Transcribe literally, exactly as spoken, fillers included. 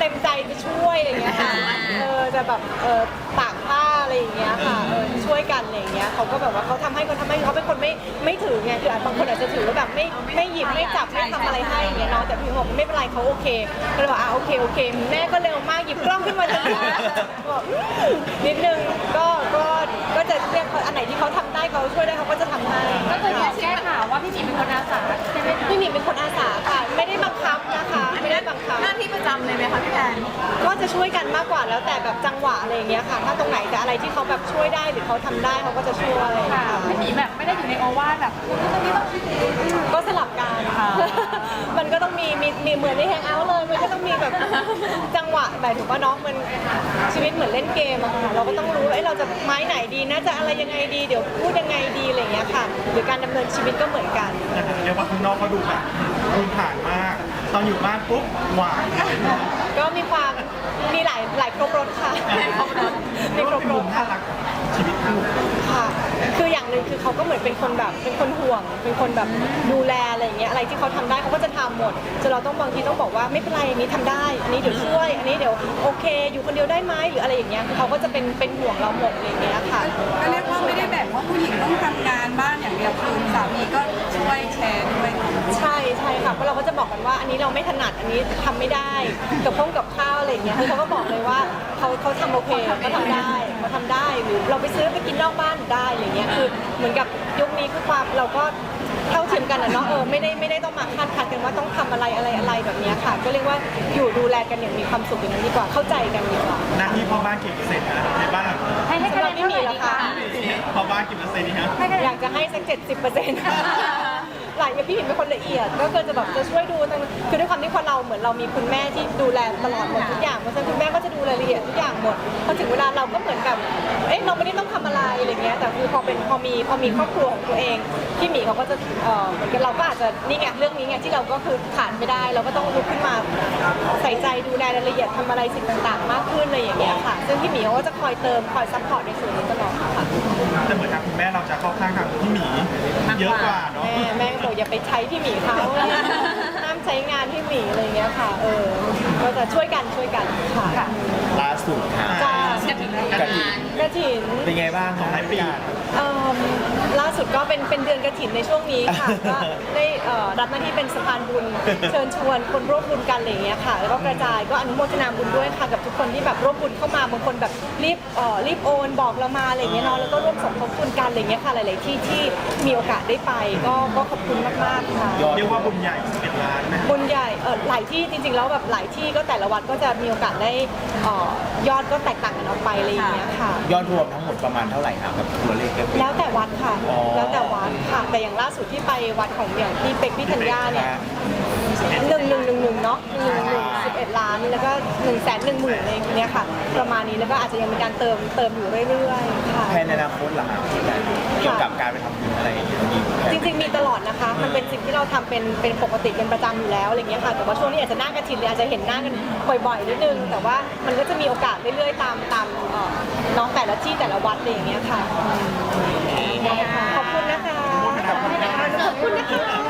ต็มใจจะช่วยอะไรอย่างเงี้ยค่ะเออจะแบบเออตากผ้าอะไรอย่างเงี้ยค่ะเออช่วยกันอะไรอย่างเงี้ยเขาก็แบบว่าเขาทำให้เขาทำให้เขาเป็นคนไม่ไม่ถือไงคืออาจบางคนอาจจะถือว่าแบบไม่ไม่หยิบไม่จับไม่ทำอะไรให้อย่างเงี้ยเนาะแต่พี่บอกไม่เป็นไรเขาโอเคก็เลยบอกอ่ะโอเคโอเคแม่ก็เร็วมากหยิบกล้องขึ้นมาทันทีบอกนิดนึงก็ก็ก็จะเรียกอันไหนที่เขาทำได้เขาช่วยได้เขาก็จะทำให้ก็คืออยากแก้ข่าวว่าพี่หมีเป็นคนอาสาใช่ไหมพี่หมีเป็นคนอาสาค่ะไม่ได้บังคับนะคะไม่ได้บังคับหน้าที่ประจำเลยไหมคะพี่แพนก็จะช่วยกันมากกว่าแล้วแต่แบบจังหวะอะไรอย่างเงี้ยค่ะถ้าตรงไหนแต่อะไรที่เขาแบบช่วยได้หรือเขาทำได้เขาก็จะช่วยค่ะพี่หมีแบบไม่ได้อยู่ในโอวาทแบบตรงนี้ต้องก็สลับกันมันก็ต้องมีมีมีเหมือนในแฮงเอาท์เลยมันก็ต้องมีแบบจังหวะแบบถูกป่ะน้องมันชีวิตเหมือนเล่นเกมอะค่ะเราก็ต้องรู้ว่าเราจะไม้ไหนดีน่าจะอะไรยังไงดีเดี๋ยวพูดยังไงดีอะไรอย่างเงี้ยค่ะหรือการดำเนินชีวิตก็เหมือนกันเรียกว่าข้างนอกเขาดูแบบดูผ่านมากตอนอยู่บ้านปุ๊บหวานก็มีความมีหลายหลายครบรสค่ะมีครบรสน่ารักชีวิตคู่ค่ะคืออย่างหนึ่งคือเขาก็เหมือนเป็นคนแบบเป็นคนห่วงเป็นคนแบบดูแลอะไรอย่างเงี้ยอะไรที่เขาทำได้เขาก็จะทำหมดจนเราต้องบางทีต้องบอกว่าไม่เป็นไรอันนี้ทำได้อันนี้เดี๋ยวช่วยอันนี้เดี๋ยวโอเคอยู่คนเดียวได้ไหมหรืออะไรอย่างเงี้ยเขาก็จะเป็นเป็นห่วงเราหมดอะไรอย่างเงี้ยค่ะก็เรียกว่าไม่ได้แบ่งว่าผู้หญิงต้องทำงานบ้านอย่างเดียวคือสามีก็ช่วยแชร์ด้วยใช่ใช่ค่ะเพราะเราก็จะบอกกันว่าอันนี้เราไม่ถนัดอันนี้ทำไม่ได้กับพงกับข้าวอะไรอย่างเงี้ยเขาก็บอกเลยว่าเขาเขาทำโอเคเขาทำได้เขาทำได้หรือเราไปซื้อไปกินนอกบ้านได้อะไรเงี้ยคือเหมือนกับยุคนี้คือความเราก็เท่าเทียมกันนะเนาะเออไม่ได้ไม่ได้ต้องมาคาดคันกันว่าต้องทำอะไรอะไรอะไรแบบนี้ค่ะก็เรียกว่าอยู่ดูแลกันอย่างมีความสุขอย่างนั้นดีกว่าเข้าใจกันดีกว่าหน้าที่พ่อบ้านกี่เปอร์เซ็นต์นะในบ้านหลังนี้ให้ให้คะแนนไม่มีหรอคะพ่อบ้านกี่เปอร์เซ็นต์นี่ฮะอยากจะให้สักเจ็ดสิบเปอร์เซ็นต์หลายอย่างพี่หมินเป็นคนละเอียดก็คือจะแบบจะช่วยดูคือด้วยความที่คนเราเหมือนเรามีคุณแม่ที่ดูแลตลอดหมดทุกอย่างเพราะฉะนั้นคุณแม่ก็จะดูรายละเอียดทุกอย่างหมดพอถึงเวลาเราก็เหมือนกับเอ๊ะเราไม่ได้ต้องทำอะไรอะไรเงี้ยแต่คือพอเป็นพอมีพอมีครอบครัวของตัวเองพี่หมีเขาก็จะเอ่อเหมือนกับเราก็อาจจะนี่ไงเรื่องนี้ไงที่เราก็คือขาดไม่ได้เราก็ต้องลุกขึ้นมาใส่ใจดูแลรายละเอียดทำอะไรสิ่งต่างๆมากขึ้นอะไรอย่างเงี้ยค่ะซึ่งพี่หมีเขาก็จะคอยเติมคอยซัพพอร์ตในส่วนนี้ตลอดค่ะแต่เหมือนทางคุณแม่เราจะเข้าข้างทางพี่หมีเยอะกว่าเนาะแม่แม่ก็บอกอย่าไปใช้พี่หมีเขาห้ามใช้งานพี่หมีอะไรเงี้ยค่ะเออก็จะช่วยกันช่วยกันค่ะล่าสุดค่ะจ้ากระถิ่นกระถิ่นเป็นไงบ้างของหลายปีล่าสุดก็เป็นเป็นเดือนกระถิ่นในช่วงนี้ค่ะก็ได้รับหน้าที่เป็นสะพานบุญเชิญชวนคนร่วมบุญกันอะไรอย่างเงี้ยค่ะแล้วก็กระจายก็อนุโมทนาบุญด้วยค่ะกับทุกคนที่แบบร่วมบุญเข้ามาบางคนแบบรีบรีบโอนบอกเรามาอะไรอย่างเงี้ยเนาะแล้วก็ร่วมสมทบทุนกันอะไรอย่างเงี้ยค่ะหลายๆที่ที่มีโอกาสได้ไปก็ก็ขอบคุณมากๆค่ะเรียกว่าบุญใหญ่สิบเอ็ดล้านไหมบุญใหญ่เออหลายที่จริงๆแล้วแบบหลายที่ก็แต่ละวัดก็จะมีโอกาสได้ยอดก็แตกต่างกันออกไปอะไรอย่างเงี้ยค่ะยอดรวมทั้งหมดประมาณเท่าไหร่ครับกับตัวเลขแล้วแต่วัดค่ะแล้วแต่วัดค่ะแต่อย่างล่าสุดที่ไปวัดของอย่างที่เป็กพี่ธัญญาเนี่ยหนึ่งหนึ่งหนึ่งหนึ่งเนาะหนึ่งหนึ่งสิบเอ็ดล้านแล้วก็หนึ่งแสนหนึ่งหมื่นอะไรเงี้ยค่ะประมาณนี้แล้วก็อาจจะยังมีการเติมเติมอยู่เรื่อยๆค่ะแผนในอนาคตหลังเกี่ยวกับการไปทำบุญอะไรอย่างเงี้ยจริงๆมีตลอดนะคะมันเป็นสิ่งที่เราทำเป็นเป็นปกติเป็นประจำอยู่แล้วอะไรเงี้ยค่ะแต่ว่าช่วงนี้อาจจะหน้ากระถิ่นเลยอาจจะเห็นหน้ากันบ่อยๆนิดนึงแต่ว่ามันก็จะมีโอกาสเรื่อยๆตามตามน้องแต่ละที่แต่ละวัดอะไรอย่างเงี้ยค่ะขอบคุณนะคะขอบคุณนะคะ